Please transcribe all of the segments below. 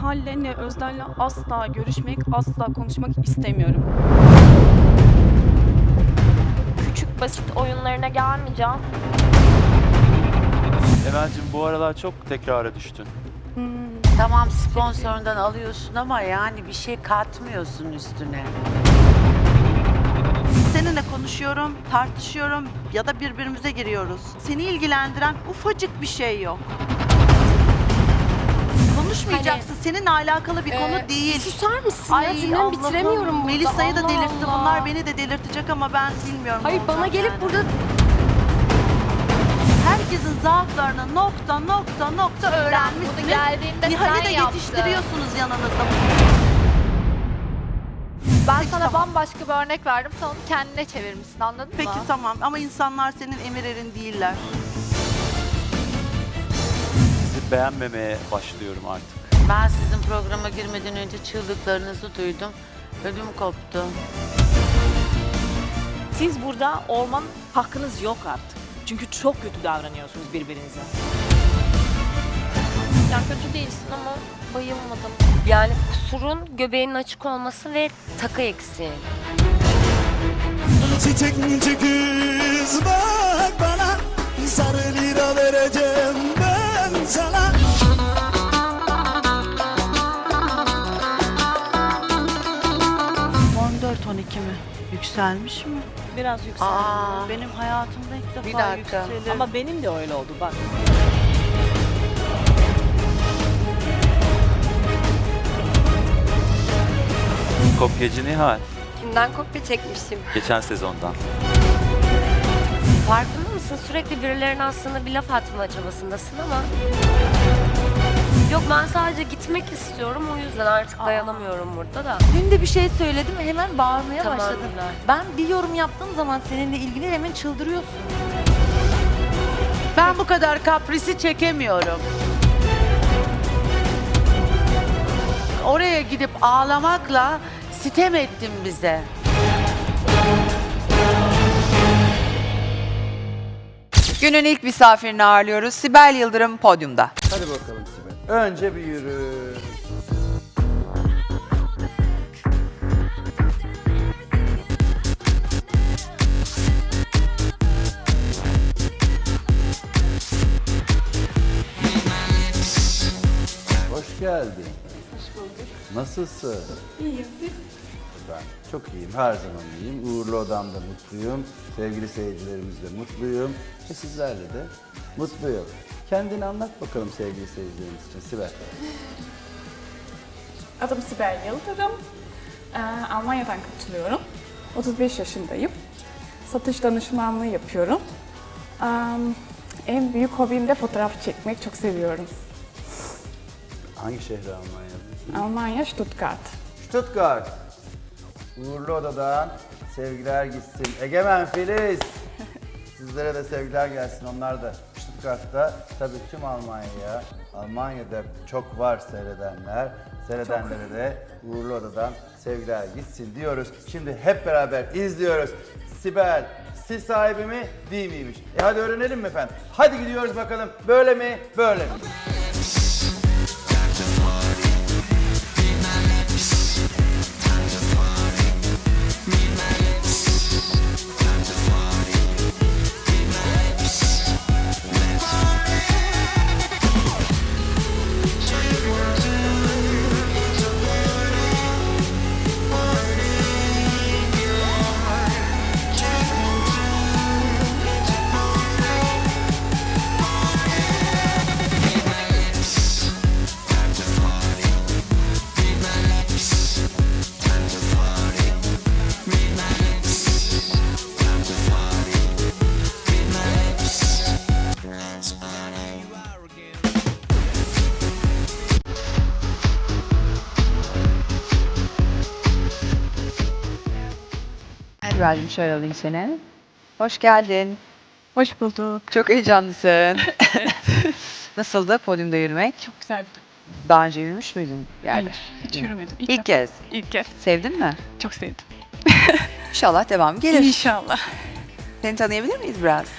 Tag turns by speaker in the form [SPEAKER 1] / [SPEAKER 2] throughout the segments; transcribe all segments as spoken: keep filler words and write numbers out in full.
[SPEAKER 1] Nihal'le ne Özden'le asla görüşmek, asla konuşmak istemiyorum.
[SPEAKER 2] Küçük basit oyunlarına gelmeyeceğim.
[SPEAKER 3] Emel'cim bu aralar çok tekrara düştün.
[SPEAKER 1] Hmm,
[SPEAKER 4] Tamam sponsorundan alıyorsun ama yani bir şey katmıyorsun üstüne.
[SPEAKER 5] Seninle konuşuyorum, tartışıyorum ya da birbirimize giriyoruz. Seni ilgilendiren ufacık bir şey yok. Konuşmayacaksın. Seninle alakalı bir konu
[SPEAKER 2] Ee,
[SPEAKER 5] değil.
[SPEAKER 2] Susar mısın ya? Cümlemi
[SPEAKER 5] Allah'ım,
[SPEAKER 2] bitiremiyorum burada.
[SPEAKER 5] Melisa'yı da
[SPEAKER 2] Allah
[SPEAKER 5] delirtti.
[SPEAKER 2] Allah.
[SPEAKER 5] Bunlar beni de delirtecek ama ben bilmiyorum.
[SPEAKER 2] Hayır
[SPEAKER 5] ne
[SPEAKER 2] bana
[SPEAKER 5] olacak
[SPEAKER 2] gelip
[SPEAKER 5] yani.
[SPEAKER 2] burada
[SPEAKER 5] Herkesin zaaflarını nokta nokta nokta öğrenmişsiniz.
[SPEAKER 2] geldiğinde
[SPEAKER 5] Nihal'i
[SPEAKER 2] sen
[SPEAKER 5] de
[SPEAKER 2] yaptın.
[SPEAKER 5] yetiştiriyorsunuz yanınızda.
[SPEAKER 2] Ben
[SPEAKER 5] Peki,
[SPEAKER 2] sana
[SPEAKER 5] tamam.
[SPEAKER 2] bambaşka bir örnek verdim. Sen onu kendine çevirmişsin, anladın
[SPEAKER 5] Peki
[SPEAKER 2] mı?
[SPEAKER 5] tamam ama insanlar senin emir erin değiller.
[SPEAKER 3] Sizi beğenmemeye başlıyorum artık.
[SPEAKER 4] Ben sizin programa girmeden önce çığlıklarınızı duydum. Ödüm koptu.
[SPEAKER 6] Siz burada olman hakkınız yok artık. Çünkü çok kötü davranıyorsunuz birbirinize.
[SPEAKER 2] Ya kötü değilsin ama bayılmadım. Yani kusurun göbeğinin açık olması ve takı eksiği.
[SPEAKER 7] Çiçek kız bak bana, sarı lira vereceğim ben sana.
[SPEAKER 5] on dört on iki mi? Yükselmiş mi?
[SPEAKER 6] Biraz yükseldi.
[SPEAKER 4] Aa,
[SPEAKER 5] Benim hayatımda ilk defa
[SPEAKER 4] Bir dakika.
[SPEAKER 5] yükselir.
[SPEAKER 6] Ama benim de öyle oldu bak.
[SPEAKER 3] Kopyacı Nihal,
[SPEAKER 2] Kimden kopya çekmişim?
[SPEAKER 3] geçen sezondan.
[SPEAKER 2] Farkında mısın? Sürekli birilerine aslında bir laf atma çabasındasın ama... Yok ben sadece gitmek istiyorum, o yüzden artık dayanamıyorum burada da.
[SPEAKER 8] Dün de bir şey söyledim, hemen bağırmaya
[SPEAKER 2] Tamam,
[SPEAKER 8] başladın.
[SPEAKER 2] Nilay.
[SPEAKER 8] Ben bir yorum yaptığım zaman seninle ilgili hemen çıldırıyorsun.
[SPEAKER 4] ben bu kadar kaprisi çekemiyorum. Oraya gidip ağlamakla sitem ettin bize.
[SPEAKER 9] Günün ilk misafirini ağırlıyoruz. Sibel Yıldırım podyumda.
[SPEAKER 10] Hadi bakalım Sibel. Önce bir yürü. Hoş geldin.
[SPEAKER 1] hoş bulduk.
[SPEAKER 10] Nasılsın?
[SPEAKER 1] İyiyim siz?
[SPEAKER 10] Ben çok iyiyim, her zaman iyiyim. Uğurlu odamda mutluyum. Sevgili seyircilerimizle mutluyum. Ve sizlerle de mutluyum. Kendini anlat bakalım sevgili seyircilerimiz için Sibel.
[SPEAKER 1] Adım Sibel Yıldırım. Ee, Almanya'dan katılıyorum. otuz beş yaşındayım. Satış danışmanlığı yapıyorum. Ee, en büyük hobim de fotoğraf çekmek. Çok seviyorum.
[SPEAKER 10] Hangi şehri Almanya'da?
[SPEAKER 1] Almanya, Stuttgart.
[SPEAKER 10] Stuttgart. Uğurlu odadan sevgiler gitsin. Egemen Filiz. Sizlere de sevgiler gelsin. Onlar da Stuttgart'ta. Tabii tüm Almanya'ya, Almanya'da çok var seyredenler. Seyredenlere de Uğurlu odadan sevgiler gitsin diyoruz. Şimdi hep beraber izliyoruz. Sibel, stil sahibi mi, değil miymiş? E hadi öğrenelim mi efendim? Hadi gidiyoruz bakalım. Böyle mi, böyle mi?
[SPEAKER 9] Sibel'cim şöyle alayım seni. Hoş geldin.
[SPEAKER 1] Hoş bulduk.
[SPEAKER 9] Çok heyecanlısın. Nasıldı podyumda yürümek?
[SPEAKER 1] Çok güzeldi.
[SPEAKER 9] Daha önce yürümüş müydün bir yerde?
[SPEAKER 1] Hiç yürümedim.
[SPEAKER 9] İlk kez.
[SPEAKER 1] İlk kez.
[SPEAKER 9] Sevdin mi?
[SPEAKER 1] Çok sevdim.
[SPEAKER 9] İnşallah devam gelir.
[SPEAKER 1] İnşallah.
[SPEAKER 9] Seni tanıyabilir miyiz biraz?
[SPEAKER 1] Ee,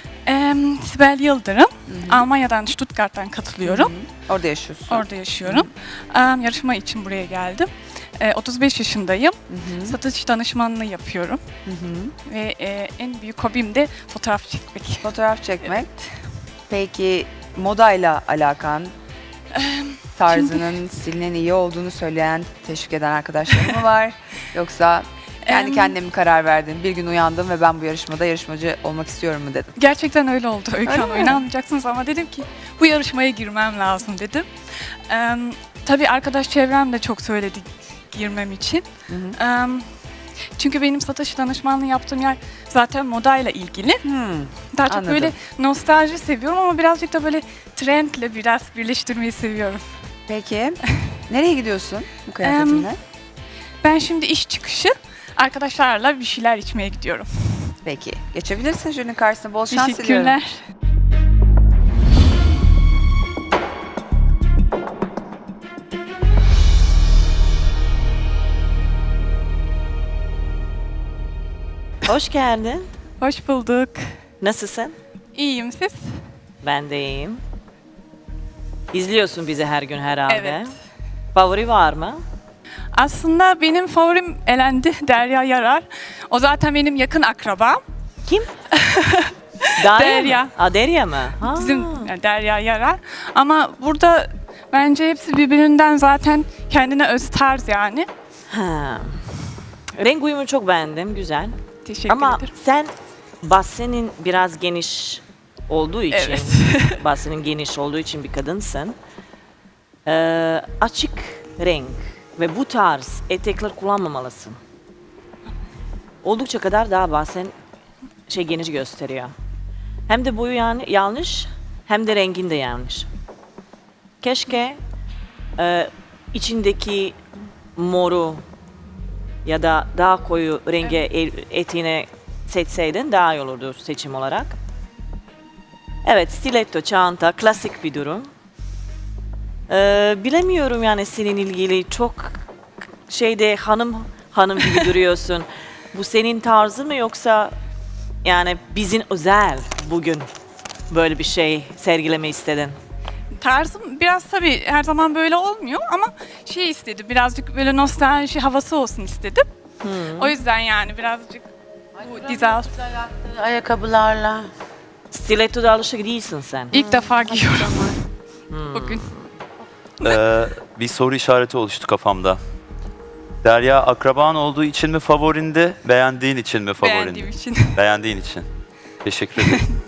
[SPEAKER 1] Ee, Sibel Yıldırım. Almanya'dan, Stuttgart'tan katılıyorum.
[SPEAKER 9] Orada yaşıyorsun.
[SPEAKER 1] Orada yaşıyorum. Ee, yarışma için buraya geldim. Ee, otuz beş yaşındayım. Satış danışmanlığı yapıyorum. Ve e, en büyük hobim de fotoğraf çekmek.
[SPEAKER 9] Fotoğraf çekmek. Peki modayla alakan, tarzının, stilinin iyi olduğunu söyleyen, teşvik eden arkadaşların mı var? Yoksa kendi
[SPEAKER 1] Em,
[SPEAKER 9] kendine mi karar verdin? Bir gün uyandım ve ben bu yarışmada yarışmacı olmak istiyorum mu dedin?
[SPEAKER 1] Gerçekten öyle oldu Öykü
[SPEAKER 9] Öyle
[SPEAKER 1] Hanım.
[SPEAKER 9] mi?
[SPEAKER 1] İnanmayacaksınız ama dedim ki bu yarışmaya girmem lazım dedim. Ee, tabii arkadaş çevrem de çok söyledi girmem için. Ee, çünkü benim satış danışmanlığı yaptığım yer zaten modayla ilgili.
[SPEAKER 9] Hmm.
[SPEAKER 1] Daha çok
[SPEAKER 9] Anladım.
[SPEAKER 1] böyle nostalji seviyorum ama birazcık da böyle trendle biraz birleştirmeyi seviyorum.
[SPEAKER 9] Peki nereye gidiyorsun bu kıyafetinle?
[SPEAKER 1] Ben şimdi iş çıkışı arkadaşlarla bir şeyler içmeye gidiyorum.
[SPEAKER 9] Peki geçebilirsin jürinin karşısına. Bol şans diliyorum.
[SPEAKER 1] Teşekkürler.
[SPEAKER 6] Hoş geldin.
[SPEAKER 1] Hoş bulduk.
[SPEAKER 6] Nasılsın?
[SPEAKER 1] İyiyim siz?
[SPEAKER 6] Ben de iyiyim. İzliyorsun bizi her gün herhalde.
[SPEAKER 1] Evet.
[SPEAKER 6] Favori var mı?
[SPEAKER 1] Aslında benim favorim elendi Derya Yarar. O zaten benim yakın akrabam.
[SPEAKER 6] Kim? Derya.
[SPEAKER 1] Derya.
[SPEAKER 6] Mı? Aa, Derya mı? Ha.
[SPEAKER 1] Bizim yani Derya Yarar. Ama burada bence hepsi birbirinden zaten kendine öz tarz yani.
[SPEAKER 6] Ha. Renk uyumu çok beğendim. Güzel.
[SPEAKER 1] Teşekkür
[SPEAKER 6] Ama
[SPEAKER 1] ederim.
[SPEAKER 6] sen basenin biraz geniş olduğu için,
[SPEAKER 1] Evet.
[SPEAKER 6] basenin geniş olduğu için bir kadınsın. Ee, açık renk ve bu tarz etekler kullanmamalısın. Oldukça kadar daha basen şey geniş gösteriyor. Hem de boyu yani yanlış, hem de rengin de yanlış. Keşke e, içindeki moru ya da daha koyu renge el- eteğine seçseydin daha iyi olurdu seçim olarak. Evet, stiletto, çanta, klasik bir durum. Ee, bilemiyorum yani senin ilgili çok şeyde hanım hanım gibi duruyorsun. Bu senin tarzın mı yoksa yani bizim özel bugün böyle bir şey sergileme istedin?
[SPEAKER 1] Tarzım biraz tabii her zaman böyle olmuyor ama şey istedim birazcık böyle nostalji havası olsun istedim. O yüzden yani birazcık bu dizel
[SPEAKER 4] Ayakkabılarla.
[SPEAKER 6] Stiletto'da alışık değilsin sen.
[SPEAKER 1] ilk defa giyiyorum bugün.
[SPEAKER 3] Ee, bir soru işareti oluştu kafamda. Derya akraban olduğu için mi favorindi, beğendiğin için mi favorindi?
[SPEAKER 1] Beğendiğim için.
[SPEAKER 3] Beğendiğin için. Teşekkür ederim.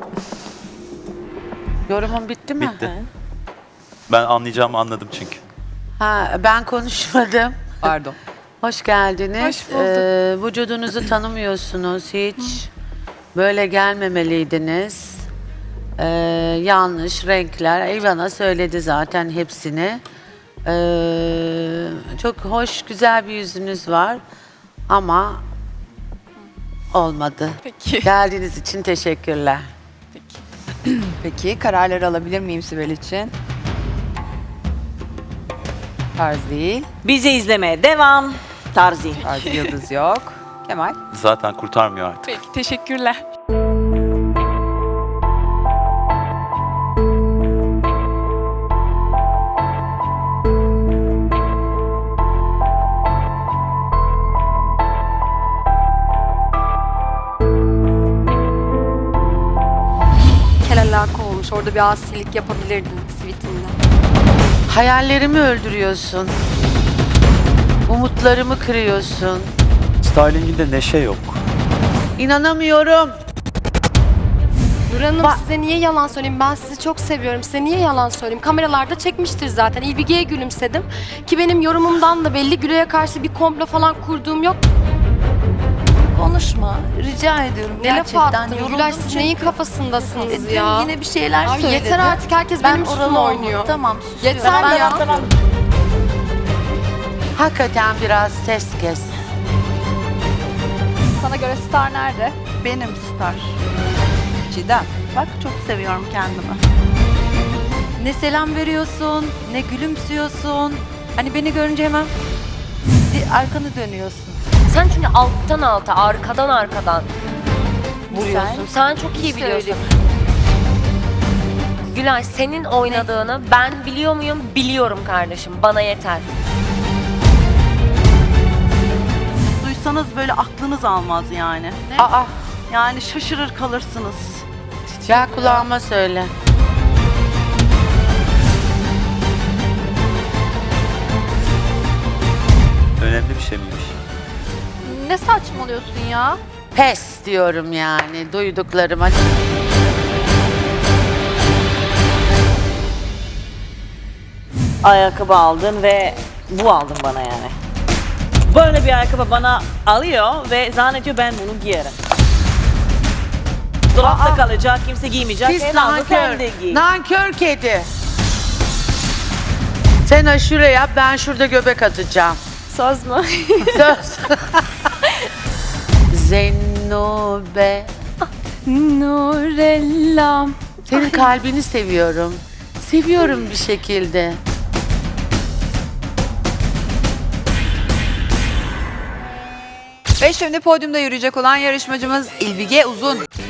[SPEAKER 4] Yorumun bitti mi?
[SPEAKER 3] Bitti. Ben anlayacağımı anladım çünkü.
[SPEAKER 4] Ha, ben konuşmadım.
[SPEAKER 9] Pardon.
[SPEAKER 4] Hoş geldiniz.
[SPEAKER 1] Hoş bulduk.
[SPEAKER 4] Ee, vücudunuzu tanımıyorsunuz hiç. Böyle gelmemeliydiniz. Ee, yanlış renkler. Ivana söyledi zaten hepsini. Ee, çok hoş, güzel bir yüzünüz var. Ama olmadı.
[SPEAKER 1] Peki.
[SPEAKER 4] Geldiğiniz için teşekkürler.
[SPEAKER 9] Peki kararları alabilir miyim Sibel için? Tarz değil.
[SPEAKER 6] Bizi izlemeye devam. Tarzi.
[SPEAKER 9] Tarz yıldız yok. Kemal.
[SPEAKER 3] Zaten kurtarmıyor artık.
[SPEAKER 1] Peki teşekkürler.
[SPEAKER 2] Kel alaka olmuş. Orada bir asilik yapabilirdin sweetinde.
[SPEAKER 4] Hayallerimi öldürüyorsun. Umutlarımı kırıyorsun.
[SPEAKER 3] Styling'inde neşe yok.
[SPEAKER 4] İnanamıyorum.
[SPEAKER 2] Nur Hanım
[SPEAKER 4] Ba-
[SPEAKER 2] size niye yalan söyleyeyim? Ben sizi çok seviyorum. Size niye yalan söyleyeyim? Kameralarda çekmiştir zaten. İlbige'ye gülümsedim. Ki benim yorumumdan da belli. Gülay'a karşı bir komplo falan kurduğum yok.
[SPEAKER 8] Konuşma. Rica ediyorum.
[SPEAKER 2] Ne laf
[SPEAKER 8] Gerçekten
[SPEAKER 2] attın?
[SPEAKER 8] yoruldum
[SPEAKER 2] Gülay siz
[SPEAKER 8] çünkü.
[SPEAKER 2] neyin kafasındasınız
[SPEAKER 8] E, dün
[SPEAKER 2] ya?
[SPEAKER 8] yine bir şeyler
[SPEAKER 2] Ay
[SPEAKER 8] söyledi.
[SPEAKER 2] yeter artık. Herkes
[SPEAKER 8] Ben
[SPEAKER 2] benim üstüme
[SPEAKER 8] oralı
[SPEAKER 2] oynuyor.
[SPEAKER 8] oynuyor. Tamam susuyorum.
[SPEAKER 2] Yeter
[SPEAKER 8] Ben-
[SPEAKER 2] ya.
[SPEAKER 4] Hakikaten biraz ses kes.
[SPEAKER 8] Sana göre star nerede?
[SPEAKER 5] Benim star.
[SPEAKER 9] Çiğdem.
[SPEAKER 5] Bak çok seviyorum kendimi.
[SPEAKER 8] Ne selam veriyorsun, ne gülümsüyorsun. Hani beni görünce hemen di- arkanı dönüyorsun.
[SPEAKER 2] Sen çünkü alttan alta, arkadan arkadan vuruyorsun. Sen çok iyi biliyorsun. Gülay, senin oynadığını ben biliyor muyum? Biliyorum kardeşim. Bana yeter.
[SPEAKER 5] Duysanız böyle aklınız almaz yani.
[SPEAKER 4] Aa,
[SPEAKER 5] Yani şaşırır kalırsınız.
[SPEAKER 4] ya kulağıma söyle.
[SPEAKER 3] Önemli bir şey miymiş?
[SPEAKER 8] Ne saçmalıyorsun ya?
[SPEAKER 4] Pes diyorum yani duyduklarıma.
[SPEAKER 6] Ayakkabı aldın ve bu aldın bana yani. Böyle bir ayakkabı bana alıyor ve zannediyor ben bunu giyerim. Dolapta kalacak, kimse giymeyecek.
[SPEAKER 4] Pis
[SPEAKER 6] En azından sen
[SPEAKER 4] nankör.
[SPEAKER 6] de giy.
[SPEAKER 4] Nankör kedi. Sen aşure yap, ben şurada göbek atacağım.
[SPEAKER 2] Söz mü?
[SPEAKER 4] Söz. Zennube.
[SPEAKER 2] Nurellam.
[SPEAKER 4] Senin kalbini seviyorum. Seviyorum bir şekilde.
[SPEAKER 9] Ve şimdi podyumda yürüyecek olan yarışmacımız İlbige Uzun.